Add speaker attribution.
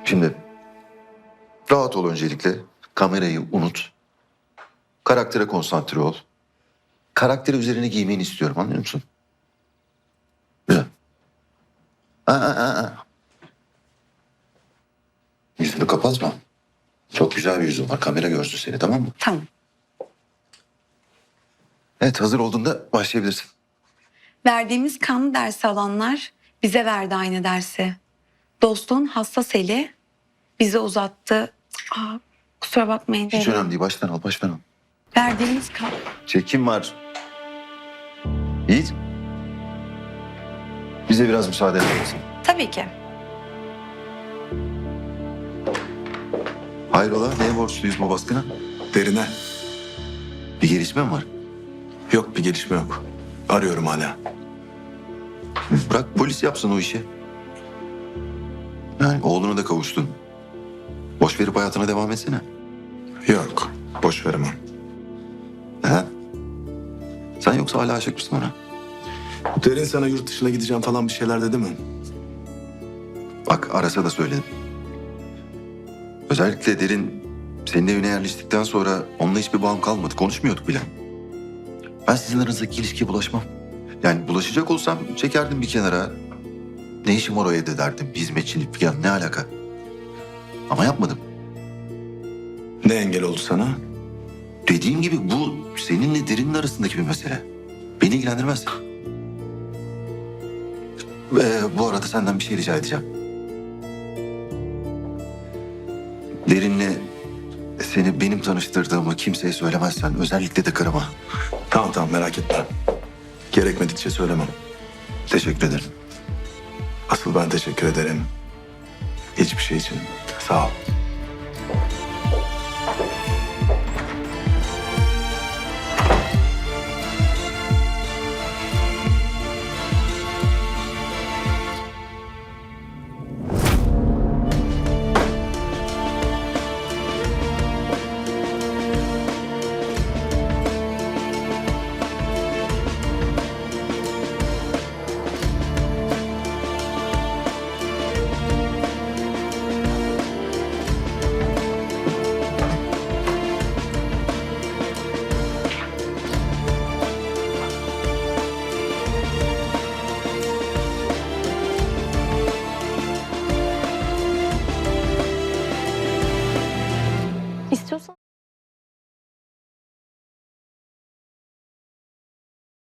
Speaker 1: Şimdi rahat ol öncelikle. Kamerayı unut. Karaktere konsantre ol. Karakteri üzerine giymeni istiyorum, anlıyor musun? Güzel. Aa. Yüzünü kapatma. Çok güzel bir yüzün var. Kamera görsün seni, tamam mı?
Speaker 2: Tamam.
Speaker 1: Evet, hazır olduğunda başlayabilirsin.
Speaker 2: Verdiğimiz kanlı dersi alanlar bize verdi aynı dersi. Dostluğun hassas eli bize uzattı. Kusura bakmayın.
Speaker 1: Hiç önemli değil. Baştan al, baştan al.
Speaker 2: Verdiğimiz kan...
Speaker 1: Çekim var. Yiğit. Bize biraz müsaade eder misin?
Speaker 2: Tabii ki.
Speaker 1: Hayrola, neye borçluyuz bu baskına?
Speaker 3: Derine.
Speaker 1: Bir gelişme mi var?
Speaker 3: Yok, bir gelişme yok. Arıyorum hala.
Speaker 1: Bırak polis yapsın o işi. Yani oğluna da kavuştun. Boş verip hayatına devam etsene.
Speaker 3: Yok, boş veremem.
Speaker 1: He? Sen yoksa hala aşık mısın ona?
Speaker 3: Derin sana yurt dışına gideceğim falan bir şeyler dedi mi?
Speaker 1: Bak arasa da söyledim. Özellikle Derin senin evine yerleştikten sonra onunla hiçbir bağım kalmadı. Konuşmuyorduk bile. Ben sizin aranızdaki ilişkiye bulaşmam. Yani bulaşacak olsam çekerdim bir kenara. Ne işim var o evde derdim. Hizmetçilik falan ne alaka? Ama yapmadım.
Speaker 3: Ne engel oldu sana?
Speaker 1: Dediğim gibi bu seninle Derin'in arasındaki bir mesele. Beni ilgilendirmez. Bu arada senden bir şey rica edeceğim. Derin'le seni benim tanıştırdığımı kimseye söylemezsen, özellikle de karıma.
Speaker 3: Tamam merak etme. Gerekmedikçe söylemem.
Speaker 1: Teşekkür ederim.
Speaker 3: Asıl ben teşekkür ederim. Hiçbir şey için. Sağ ol.